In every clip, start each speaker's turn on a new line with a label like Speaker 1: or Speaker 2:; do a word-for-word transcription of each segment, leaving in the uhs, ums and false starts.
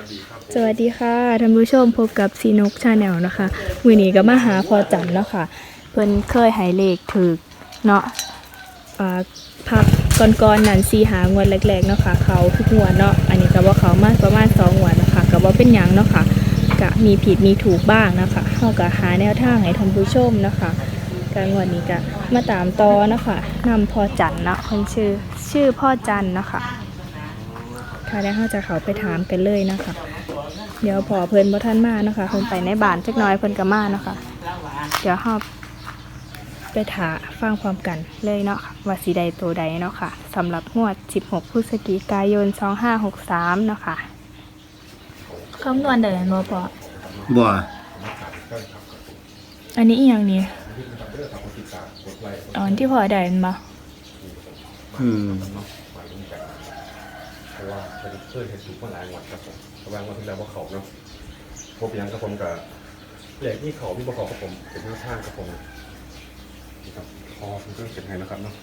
Speaker 1: สวัสดีค่ะท่านผู้ชมพบกับซีนกชาแนลนะคะมื้อนี้ก็มาหาพอจันเนาะค่ะเพิ่นเคยให้เลขถูกเนาะอ่าพักก่อนๆนั้นสี่หางวดแรกๆเนาะค่ะเขาทุกงวดเนาะอันนี้ก็บ่เขามาประมาณสองงวดนะคะก็บ่เป็นหยังเนาะค่ะก็มีผิดมีถูกบ้างนะคะเฮาก็หาแนวทางให้ท่านผู้ชมเนาะค่ะก็งวดนี้ก็มาตามต่อเนาะค่ะนำพ่อจันเนาะเพิ่นชื่อชื่อพ่อจันเนาะค่ะค่ะแล้วเราจะเข้าไปถามกันเลยเนาะค่ะเดี๋ยวพอเพิ่นบ่ทันมาเนาะค่ะเพิ่นไปในบ้านจักหน่อยเพิ่นก็มาเนาะค่ะเดี๋ยวเฮาไปถาฟังความกันเลยเนาะค่ะว่าสิได้ตัวใดเนาะค่ะสำหรับงวดสิบหกพฤศจิกายนสองห้าหกสามเนาะค่ะคำนวณได้บ่พอ
Speaker 2: บ่
Speaker 1: อันนี้อีหยังนี่อ๋อที่พอได้มันบ่
Speaker 2: อืม
Speaker 3: เพราะว่าเคยเห็นถูกมาหลายวันครับผมระวังวันที่แล้วว่าเขาเนาะพบยังกับผมกับเหล็กนี่เขาที่บขกับผมเป็นหน้าท่างกับผมนี่ครับคอเป็นเครื่องเสียงไงนะครับเนาะ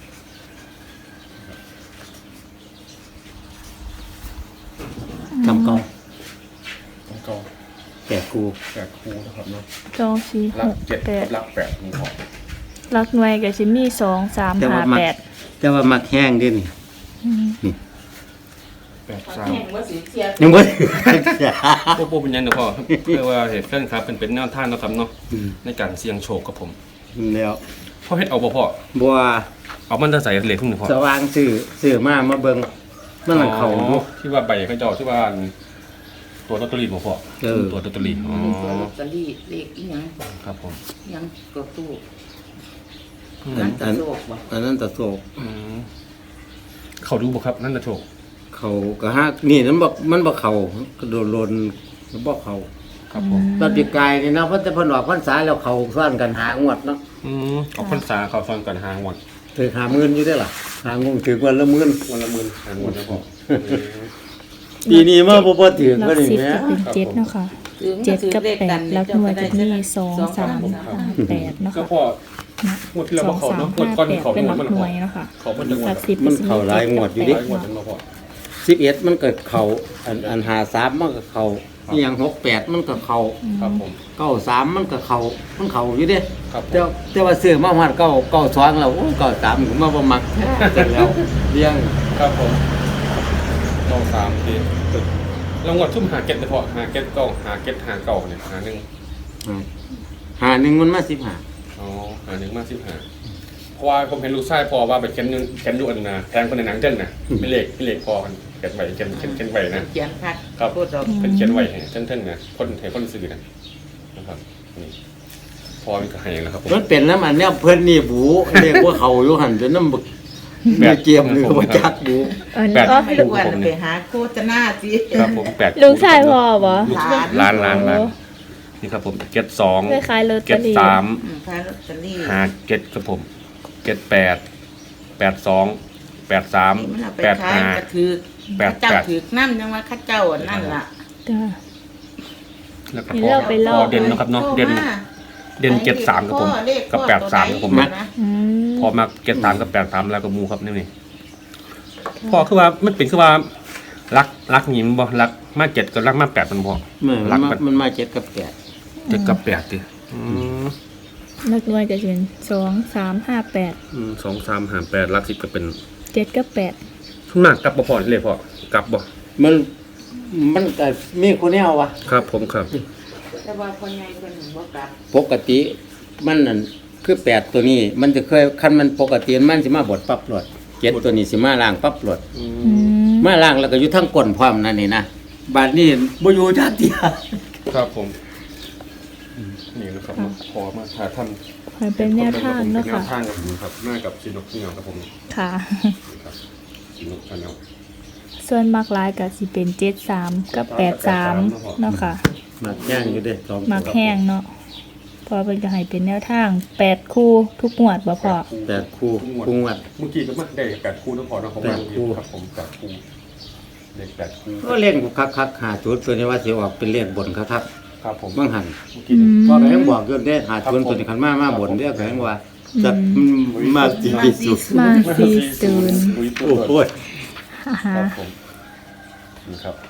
Speaker 2: กำกอง
Speaker 3: ต้องกอง
Speaker 2: แปดกู
Speaker 3: แปดคูนะครับเนาะ
Speaker 1: สองสี่ห
Speaker 3: รัก
Speaker 1: ก
Speaker 3: เจ็ด
Speaker 1: แปด
Speaker 3: รักแปดมีหอก
Speaker 1: หลักหน่วยก็สิมีสอง สาม ห้า แปด
Speaker 2: แต่ว่ามักแห้งเด้นี่
Speaker 1: อืม
Speaker 2: นี่
Speaker 3: แปดสาม
Speaker 2: ยังบ่
Speaker 3: พวกพวกเป็นยังเนาะพ่อเพื่อว่าเหตุเพื่อนครับเป็นเป็นแนวท่างนะครับเนาะในการเสี่ยงโชคกับผม
Speaker 2: แล้ว
Speaker 3: พ่อเฮ็ดเอาบ่พ่อ
Speaker 2: บัว
Speaker 3: เอามันจะใส่เหล็กทุ่งหนึ่งพ่อ
Speaker 2: สว่างซื้อซื้อมามาเบิ่งมันหลังเขาอยู่
Speaker 3: ที่ว่าใบเขาเจ้าที่ว่าตัวลอตเตอรี่บ่พ่อ
Speaker 2: เออ
Speaker 3: ตัวลอตเตอรี่อ๋อ
Speaker 4: ตัวลอตเตอรี่เลขอีหยัง
Speaker 3: ครับผม
Speaker 4: อีหยังตัวตู้
Speaker 2: อั
Speaker 4: นั้น น
Speaker 2: อั
Speaker 4: ตะ
Speaker 2: น
Speaker 4: โลกบ่
Speaker 2: อันนั้นตะโศก
Speaker 3: อืมเขาดูบ่ครับนั่นจะโชค
Speaker 2: เขาก็ฮักนี่มันบ่มันบ่เข้าก็โดนลนมันบ่เข้า
Speaker 3: ครับผม
Speaker 2: ตัดปีกายนี่นะเพิ่นแต่เพิ่นออกพรรษาแล้วเขาซ่อนกันหางวดเนาะ
Speaker 3: อืมออกพรรษาเขาฟังกันหางวัน
Speaker 2: ถือหาหมื่นอยู่ได้ล่ะหางงถือวันละหมื่น
Speaker 3: วันละหมื่นหางวันนะพ่อ
Speaker 2: ปีนี้มาบ่บ่ถือ
Speaker 1: หลั
Speaker 2: ก็
Speaker 1: ก
Speaker 2: นี่
Speaker 1: สิบ
Speaker 2: แหม
Speaker 1: จะเป็นเจ็ดเนาะค่ะ
Speaker 4: ถึง
Speaker 1: เจ็ด
Speaker 4: ถือ
Speaker 1: กับ
Speaker 4: เลข
Speaker 1: แป
Speaker 4: ดั
Speaker 1: ด
Speaker 4: น
Speaker 1: หลักหน่วยจะมีสอง สาม
Speaker 4: ส
Speaker 1: ห้าแปดเนาะ
Speaker 3: ก็
Speaker 1: ค่ะ
Speaker 3: พ่อหมดที่เรา
Speaker 1: สอ
Speaker 3: บ่
Speaker 1: ง
Speaker 3: เขา
Speaker 1: สาม
Speaker 3: เนาะหมด
Speaker 1: ห้า
Speaker 3: ก้อน
Speaker 1: แปด
Speaker 3: เขา
Speaker 1: เป็นหลัก
Speaker 3: มัน
Speaker 1: หน่วยเนาะค่ะ
Speaker 3: เขามันจังห
Speaker 1: ห
Speaker 3: วั
Speaker 1: ลั
Speaker 3: ด
Speaker 1: กสิบ
Speaker 2: มันเข้าหลายงวดอยู่ดิ
Speaker 3: หลายงวดจังบ่พ่อ
Speaker 2: สิบเอ็ดมันเกิดเขาอันอันหาสามมันก็เขาอหย่างหกแปดมันก็เขา
Speaker 3: ครับผม
Speaker 2: เก้าสามมันก็เขามันเขาอยู่เด้
Speaker 3: ครับผ
Speaker 2: แต่
Speaker 3: ม
Speaker 2: แต่ว่าซื้อมาฮอดเก้าเก้าสองแล้วโอ้เก้าสามผมมาบ่มักจังแล้วเลี้ยง
Speaker 3: ครับผมลองสามทีลองวัดชุ่มหาเก็ตเฉพาะหาเก็ตเก่าหาเก็ตหาเก่าเนี่ยหาหนึ่ง
Speaker 2: อ่าหาหนึ่งมันมาสิบห้า
Speaker 3: อ๋อหาหนึ่งมาสิบหาเพราะว่าผมเห็นลูกชายพอว่าไปเข็นเงินเข็นอยู่อันนะแทงคนในหนังเจ้นน่ะไม่เลขไม่เลขพอกันเข็นไหวเข็นเข็นเข็นไหวนะ
Speaker 4: เขียนคัด
Speaker 3: ครับ
Speaker 4: พูดออก
Speaker 3: เป็นเขียนไว้ให้เท่นๆนะคนให้คนซื้อนะนะครับนี่พอมีกระหายแล้วครับผม
Speaker 2: มันเป็นน้ำอันเนี้ยเพิ่นนี่บูเรียกว่าเขาอยู่หันเป็นน้ำบึกแม่เกียมหรือว่าจักบู
Speaker 1: อันนี้ก็
Speaker 4: ไม่อ้วนไปหาโฆษณาสิ
Speaker 3: ครับผมแปด
Speaker 1: ลูกชายพ่อบ่
Speaker 3: ลูกล้านล้านล้านนี่ครับผมเก็ตสอง
Speaker 1: คล้ายๆลอตเต
Speaker 3: เก็
Speaker 1: อ
Speaker 3: ต
Speaker 1: รี่
Speaker 3: สาม
Speaker 4: อืมขายลอตเตอรี่
Speaker 3: หาเก็ตครับผมเก็ตแปดแปดสองแปดสาม
Speaker 4: นี่มันเอาไป
Speaker 3: แปด
Speaker 4: ขาย
Speaker 3: ห้า
Speaker 4: ก็ถือ
Speaker 3: แปด
Speaker 4: เจ้า
Speaker 3: แปด
Speaker 4: ถือน้ำยังว่าข้าเจ้านั่นล่ะ
Speaker 1: จ้า
Speaker 3: แล้วก็
Speaker 1: นี่
Speaker 3: พอ
Speaker 1: เราไปลอก
Speaker 3: พอเด่นนะครับเนาะเด่นเด่นเก็ตสามครับผมกับแปดสามครับผม
Speaker 4: นะ
Speaker 1: อืม
Speaker 3: พอมาเก็ตสามกับแปดสามแล้วก็มูครับนี่นี่ พอคือว่ามันเป็นคือว่ารักรักหนีมันบ่รักมาเจ็ดกับรักมาแปดมันบ่
Speaker 2: เมื่อ
Speaker 3: รั
Speaker 2: มัน
Speaker 3: ก
Speaker 2: มา
Speaker 3: มัน
Speaker 2: มันมาเจ็ดกับแปด
Speaker 3: เจ็ดกับแปดดิอืม
Speaker 1: หลักหน่วยก็จะเป็นสอง สาม ห้า แปด
Speaker 3: อืมสองสามหารแปดรักสิบก็เป็น
Speaker 1: เจ็ดกับแปด
Speaker 3: ทุกมากกลับบ่พอเลยพอกลับบ่
Speaker 2: มันมันก็มีคนแนววะ
Speaker 3: ครับผมครับ
Speaker 4: แต่ว่าคนใหญ่คนหนึ่งบ่กลับ
Speaker 2: ปกติมันนั่นคือแปดตัวนี้ มันจะเคยคันมันปกติมันสิมาบดปั๊บหลดเจ็ดตัวนี้สิมาล่างปั๊บหลด
Speaker 3: อื
Speaker 1: อื
Speaker 3: ม
Speaker 1: ม
Speaker 2: มาล่างแล้วก็อยู่ทั้งก้นพร้อมนั่นนี่นะบาดนี้บ่อยู่จักเดียว
Speaker 3: ครับผมนี่นะครับมาพอมาถ่ายทำ
Speaker 1: มันเป็นแนวทางเนาะ
Speaker 3: ป็แน
Speaker 1: ค่ะ
Speaker 3: วทางกับผมครับมากับชินกชินยองครับผม
Speaker 1: ค่ะ
Speaker 3: นี่ครับชินกชินยอง
Speaker 1: ส่วนมากหลายก็สิเป็นเจ็ด สามกับแปด สามเนาะค่ะ
Speaker 2: มักย่างอยู่เด้สองตัว
Speaker 1: มักแห้งเนาะพอเป็นก็ให้เป็นแนวทางแปดคู่ทุกงวดบ่พอ
Speaker 2: แปดคู่คู่งวด
Speaker 3: เมื่อกี้ก็มาได้แปดคู่แล้วพอเนาะผม
Speaker 2: แปดคู่
Speaker 3: ครับผมแปดคู่เลขแปดคู่
Speaker 2: ก็เล่นคักๆหาจุดตัวนี้ว่าสิออกเป็นเลขบนคัก
Speaker 3: ครับผม
Speaker 2: ๆบางหัน
Speaker 3: เมื่อกี้
Speaker 1: อื
Speaker 3: นี่
Speaker 1: ม
Speaker 2: พ่อก็ยังบอกอยู่เด้หาจุดตัวนี้คันมามาบนเด้อก็ยังว่าจะมาสิพิสูจน์
Speaker 1: มาสี่ศูนย์
Speaker 3: อุ้ย
Speaker 2: โอ้โห
Speaker 1: อ่า
Speaker 3: ค
Speaker 1: ฮะ
Speaker 3: รับผมนี่ครับ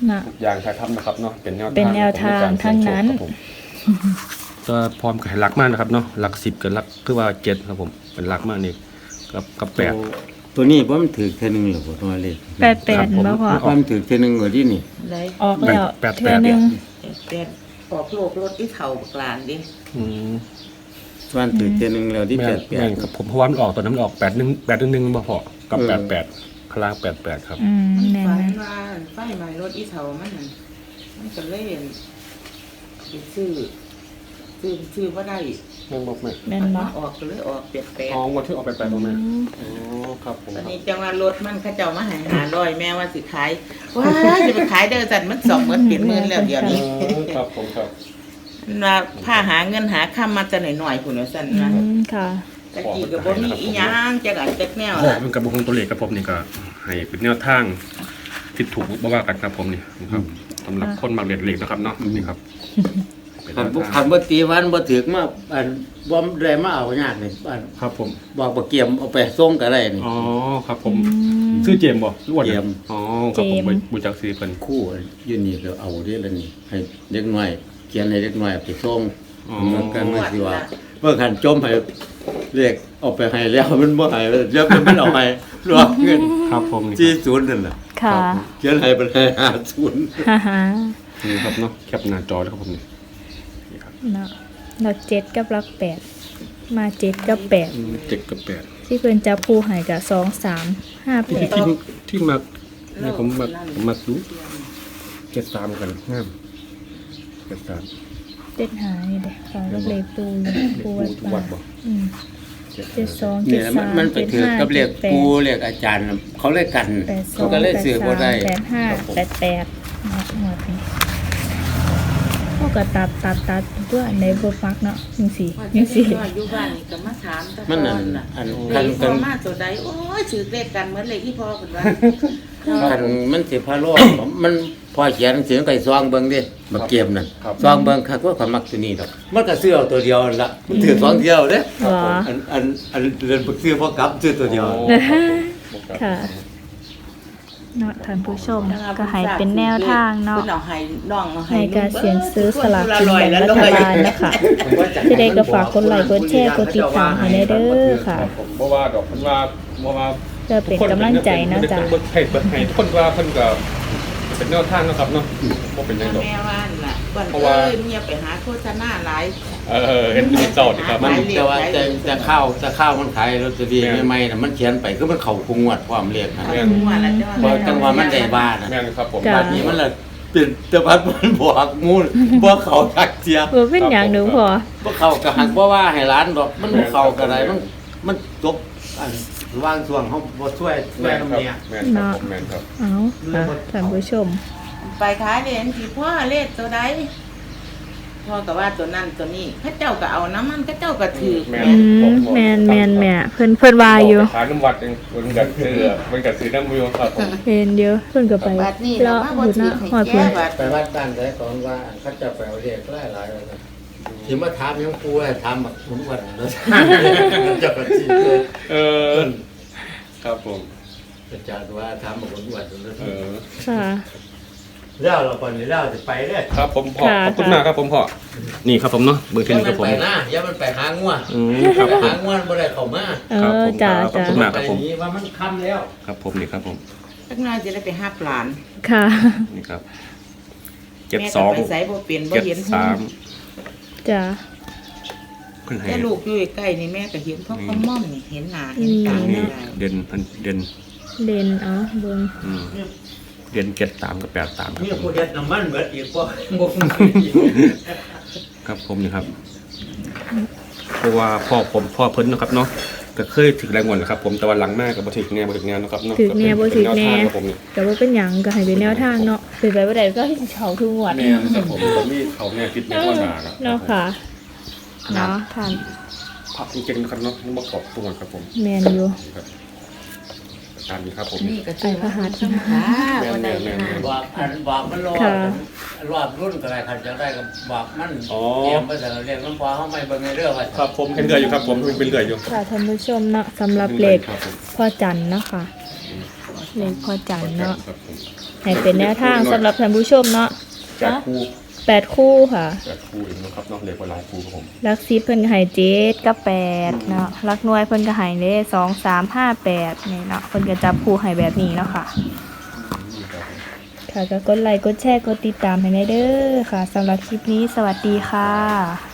Speaker 1: นะ
Speaker 3: อย่างถ่ายทำนะครับเนาะเป็นแนวทาง
Speaker 1: เป็นแนวทางทั้งนั้น
Speaker 3: ครับผมก็พร้อมกับให้รักมากนะครับเนาะหลักสิบกับหลักคือว่าเจ็ดครับผมเป็นหลักมากนี่กับกับแปด
Speaker 2: ตัวนี้บ่มันถือแค่นึงเหรอบ่ตัวเลข
Speaker 1: แปดแปดบ่พอ
Speaker 2: ความถือแค่นึงกว่าที่นี่
Speaker 4: ได้
Speaker 1: ออกแล้ว
Speaker 3: แปดแปด
Speaker 1: เทื่อหนึง
Speaker 4: แปดออกโลกรถที่เข่าบักลานดิ
Speaker 3: อืม
Speaker 2: ความถือแค่นึงแล้วที่
Speaker 3: แม่
Speaker 2: แป
Speaker 3: น
Speaker 2: ดแป
Speaker 3: แม่
Speaker 2: ด
Speaker 3: นครับผมเพราะว่ามันออกตอนนั้นมันออกแปดหนึ่งแปดหนึ่งหนึ่งบ่พอกับ
Speaker 2: เออ
Speaker 3: แปดแปดคลางแปดแปดครับ
Speaker 1: อืมแม่น
Speaker 4: ฝัน
Speaker 1: แม่น
Speaker 4: ว่าไฟไหม้รถอีเถามันนั่นมันก็เลยไปซื้อซื้อซื้อว่าได้
Speaker 3: แม่นบอกแม่
Speaker 1: แม่น
Speaker 4: มั
Speaker 1: บ่
Speaker 4: นออกก็เลยออกเปลี่ยนแปลง
Speaker 3: อ๋อวันที่ออกแปดแปดบอกแม่อ๋อครับผม
Speaker 4: ตอนนี้จังว่ารถมันเขาเจ้ามาใหาหาร้อยแม่ว่าสิขายว้ายจะไปขายเด้อจันมันสองหมื่นเปลี่ยนหมื่นแล้วเดี๋ยวนี้
Speaker 3: ครับผมครับ
Speaker 4: ว่าผ้าหาเงินหาค่ำมาจะหน่อยๆคุณว่าสั่น
Speaker 1: อื
Speaker 4: นะ
Speaker 1: มค่ะ
Speaker 4: ตะกี้ก็บ่มีอีหยังจักอันจักแนว
Speaker 3: บอก
Speaker 4: ล่ะ
Speaker 3: มันกับบุคคลตัวเลขกับผมนี่ก็ให้เป็นแนวทางที่ถูกบ่ว่ากันครับผมนี่นะครับสำหรับคนมักเรียนเลขนะครับเนาะนี่ครับเป็นแน
Speaker 2: คัน
Speaker 3: ว
Speaker 2: บ่
Speaker 3: ทาง
Speaker 2: คันบ่ตีวันบ่ถึกมาอันบ่ได้มาเอายากนี่อัน
Speaker 3: ครับผม
Speaker 2: บอกบ่เกี่ยมเอาไปส่งก็ได้นี่
Speaker 3: อ๋อครับผม
Speaker 1: อืม
Speaker 3: ชื่อเจมส์บ่หรือว่า
Speaker 2: เจมส์
Speaker 3: อ๋อครับผม
Speaker 1: เจมส์
Speaker 3: บูจักซื้อเพิ่น
Speaker 2: คู่อยู่นี่ก็เอาเด้แล้วนี่ให้เด็กน้อยเขียนให้เด็กน้อยเอาไปส่ง
Speaker 3: อ๋อ
Speaker 2: เหมือนกันมันสิว่าเมื่อคันจมให้เรียกเอาไปให้แล้วมันบ่ให้แล้วเดี๋ยวมันเอาให้รวมเงิน
Speaker 3: ครับผมนี่
Speaker 2: ที่ศูนย์นั่นน่ะ
Speaker 1: ค่ะ
Speaker 2: เขียนให้เป็นให้ห้าศูนย์
Speaker 1: ฮ่าฮ่า
Speaker 3: นี่ครับเนาะแคปหน้าจอแล้วครับผมนี่นี่ครับ
Speaker 1: เนาะหลักเจ็ดกับหลักแปดมาเจ็ดกับแปด
Speaker 3: อืมเจ็ดกับแปด
Speaker 1: ที่เพิ่นจับคู่ให้กับสองสามห้าแป
Speaker 3: ที่
Speaker 1: ด
Speaker 3: ที่ที่มักนี่ผมมักผมมักดูเจ็ดสามกันงามเจ็ดสาม
Speaker 1: เจ็ดหายเด้ฟังลูกเลขปูปูวัด
Speaker 3: ทุกวั
Speaker 1: ป่า
Speaker 3: ดบ่
Speaker 1: อืม
Speaker 3: เจ็ด
Speaker 1: เจ็ดสอง
Speaker 2: เนี่
Speaker 1: เจ็ด
Speaker 2: ย
Speaker 1: สา
Speaker 2: มัน
Speaker 1: ม
Speaker 2: มันไป
Speaker 1: เจ็ด
Speaker 2: ถือ
Speaker 1: ห้า
Speaker 2: กับเรียก
Speaker 1: เจ็ดแป
Speaker 2: ครู
Speaker 1: ด
Speaker 2: เรียกอาจารย์น่ะเขาเลยกัน
Speaker 1: แปดสอ
Speaker 2: เขา
Speaker 1: ง
Speaker 2: ก็เล
Speaker 1: แป
Speaker 2: ย
Speaker 1: ด
Speaker 2: ซื้อ
Speaker 1: สา
Speaker 2: บ่
Speaker 1: ม
Speaker 2: ได้
Speaker 1: แปดห้าแปดแปดเนาะหมดนี้พวกก็ตัดตัดตัดตัวอันไหนบ่มักเนาะจังซี่
Speaker 4: ว่า
Speaker 1: จังซี่
Speaker 4: ว่าอยู่บ้านนี่ก็มาถามตะ
Speaker 2: มัน
Speaker 4: ก
Speaker 2: อั
Speaker 4: อน นน่ะ
Speaker 2: อัน
Speaker 4: เล
Speaker 2: คัน
Speaker 4: ขพ
Speaker 2: กั
Speaker 4: อน มาตัวใดโอ้ยชื่อเลขกันเหมือนเลขที่พ่อเพิ่นว่า
Speaker 2: คันมันสิพาโลกมันพอเขียนหนังสือไปซองเบิ่งดิมาเก็บนั่น
Speaker 3: ครับ
Speaker 2: ซองเบิ่งคักว่าความมักตัวนี้ดอกมันก็ซื้อเอาตัวเดียวนั่นล่ะมันถือสองเที่ยวเด้
Speaker 1: อ๋อ
Speaker 2: อันอันอันเรียนบ่ซื้อบ่กลับซื้อตัวเดียว
Speaker 1: ค่ะเนาะท่านผู้ชมก็ให้เป็นแนวทางเนาะ
Speaker 4: พิ่เอาให้น้องเอาให้
Speaker 1: ในการเสี่ยงซื้อสลากกินแบ่งรัฐบาลนะคะที่ได้ก็ฝากกดไลค์กดแชร์กดติดตามให้ได้เด้อค่ะ
Speaker 3: ครับผมเพราะว่าดอกเพิ่นว่าเพราะว่า
Speaker 1: เพื่อเป็นกำลังใจเนาะจ้ะ
Speaker 3: เพิ่นให้เพิ่นให้ทุกคนว่าเพิ่นก็เป็นแนวทางเนาะครับเนาะบ่เป็นหยังดอก
Speaker 4: แม่ว่านั่นล่ะเพิ่น
Speaker 3: เพราะ
Speaker 4: เอ้
Speaker 3: ว่า
Speaker 4: ยเมียไปหาโฆษณาหลาย
Speaker 3: เออเห็นเป็นเจ้าดีครับ
Speaker 2: มั
Speaker 3: มัน น
Speaker 2: แต่ว่าจะจะเข้าจะเข้ามันขายลอตเตอรี่ใหม่ๆน่ะมันเขียนไปคือมันเข้าคุงวดความเรียกนะ
Speaker 3: แม่น
Speaker 4: ว่าแล้วจะ
Speaker 2: บ่
Speaker 4: ว่า
Speaker 2: จังว่ามันได้บ้านน่ะ
Speaker 3: แม่นครับผม
Speaker 1: จ้ะ
Speaker 2: บัดนี้มันละเป็นแต่พัดมันบอกมูลบ่เข้าทักเทีย
Speaker 1: บ่เป็นหยังหนูพอ
Speaker 2: บ่เข้าก็หักบ่ว่าให้ร้านดอกมันบ่เข้าก็ได้มันมันจบอันวางช่วงเฮาบ่ช่วยช่ว
Speaker 3: แม่
Speaker 2: ย
Speaker 3: น
Speaker 2: นำ
Speaker 3: ครับ
Speaker 2: เนี่ย
Speaker 3: แม่นครับผมแม่นครับ
Speaker 1: เอาค่ะท่านผู้ชม
Speaker 4: ไปขายเหรียญสิพ่อเลขตัวใดพ่อก็ว่าตัวนั้นตัวนี้พระเจ้าก็เอาน้ำมันพระเจ้าก็ถือ
Speaker 3: แม่
Speaker 1: อืมแม่นแม่นแม่เพิ่นเพิ่นว่าอยู่
Speaker 3: ขายน้ำวัดเองเพิ่นก็ซื้อเพิ่นก็ซื้อน้ำมือครับผม
Speaker 1: เห็นเยอะเพิ่นก็ไป
Speaker 4: บัดนี้
Speaker 1: แล้
Speaker 4: เรา
Speaker 1: ว
Speaker 4: มาบ่
Speaker 1: บุญ
Speaker 4: ถือ
Speaker 1: นะ
Speaker 4: ให้
Speaker 1: ฮอด
Speaker 4: แก้
Speaker 1: เพิ่น
Speaker 4: บัด
Speaker 2: ไปวัดบ้านใดก่อนว่าเขาจะไปเอาเรียกหลายๆแล้วนะสิมาถามยังปู่ให้ถามบักหมุนวันแล้วจะก็สิเลย
Speaker 3: เออครับผม
Speaker 2: อาจารย์ว่าถามบักหมุนวันแล้ว
Speaker 3: เออ
Speaker 1: ค่ะ
Speaker 2: แล้วเราปานนี้แล้วสิไปเด้อ
Speaker 3: ครับผมพ่อ
Speaker 1: ค่ะ
Speaker 3: ขอบคุณมากครับผมพ่อนี่ครับผมเนาะเบอร์เท
Speaker 2: อย่าน มั
Speaker 3: ครับ
Speaker 2: น
Speaker 3: ผม
Speaker 2: ไปนะอย่ามันไปหางัว
Speaker 3: อืมครับ
Speaker 2: ไป
Speaker 3: ผม
Speaker 2: หางัวบ่ได้เข้ามา
Speaker 1: เอ
Speaker 3: ครับ
Speaker 1: อ
Speaker 3: ผม
Speaker 1: จ้า
Speaker 3: ขอบ
Speaker 1: จ้า
Speaker 3: คุณมาก ครับผม
Speaker 2: ไปนี้ว่ามันค่ำแล้ว
Speaker 3: ครับผมนี่ครับผม
Speaker 4: สักหน่อยจะได้ไปหาปลาน
Speaker 1: ค่ะ
Speaker 3: นี่ครับเจ็ด
Speaker 4: แม่
Speaker 3: ส
Speaker 4: ก็
Speaker 3: อง
Speaker 4: ไปใส่บ่เป็นบ่
Speaker 3: เจ็ด
Speaker 4: เห็น
Speaker 3: สาม
Speaker 1: จ้า
Speaker 3: คนให้
Speaker 4: แต่ลูกอยู่ใกล้ๆนี่แม่ก็เห็นเพราะเขาม่อมนี่เห็นหน้าเห็นตา
Speaker 3: นี่
Speaker 4: ได้
Speaker 3: เด่นพันเด่น
Speaker 1: เด่นเอ๋อเบิ่ง
Speaker 3: อืมเด่นเจ็ดสามกับแปดสามครับ
Speaker 2: มี
Speaker 3: ผม
Speaker 2: ผู้เด็ดน้ำมันเบิดอีกบ่บ่คุ้มอีก
Speaker 3: ครับผมนี่ครับเพราะว่าพ่อผมพ่อเพิ่นเนาะครับเนาะก็เคยถึงแรงวันนะครับ ผมแต่วันหลังมากกับบ่ถึงแนวบ่ถึงแนวนะครับเนาะ
Speaker 1: ถึกแน่บ่ถึกแน่
Speaker 3: เป็วทางครับผมนี่
Speaker 1: แต่ว่าเป็นหยังก็ให้เป็นแนวทางเนาะเป็นไปบ่ได้ก็ให้เฉาทุกงวด
Speaker 3: แม่นครับผมผมมีเขาแนวคิดแนวว่าหนาครับ
Speaker 1: เนาะค่ะเนาะท่าน
Speaker 3: ผักจริงๆนะครับเนาะมันบ่ขอบตัวครับผม
Speaker 1: แม่นอยู่
Speaker 3: ครับตามนี้ครับผม
Speaker 4: นี่ก็ชื่อว่าหาสมภาบ่ได้ขนาด
Speaker 2: บอกอันบอกมันรอ
Speaker 1: ค่ะ
Speaker 2: รอบรุ่นก็ได้คันจะได้ก็บอกมัน
Speaker 3: อ๋อ
Speaker 2: เตรียมไปแต่เรียกน้ำปลาเฮาไม่เบิ่งในเด้อว่า
Speaker 3: ครับผมเห็นเรืออยู่ครับผมเป็นเรืออยู่
Speaker 1: ค่ะท่านผู้ชมเนาะสำหรับเลข
Speaker 3: ครับผม
Speaker 1: พ่อจันทร์เนาะค่ะเลขพ่อจันทร์เนาะ
Speaker 3: ครับผม
Speaker 1: ให้เป็นแนวทางสำหรับท่านผู้ชมเนาะ
Speaker 3: จัดคู่
Speaker 1: แปดคู่ค่ะ
Speaker 3: จัดคู่เองนะครับเนาะเรียกว่าหลายคู่ครับผม
Speaker 1: ลักซิปเพิ่นก็ให้เจ็ดกับแปดเนาะลักหน่วยเพิ่นก็ให้เลขสองสามห้าแปดนี่เนาะเพิ่นก็จับคู่ให้แบบนี้เนาะค่ะ ค่ะก็กดไลค์กดแชร์กดติดตามให้ได้เด้อค่ะสำหรับคลิปนี้สวัสดีค่ะ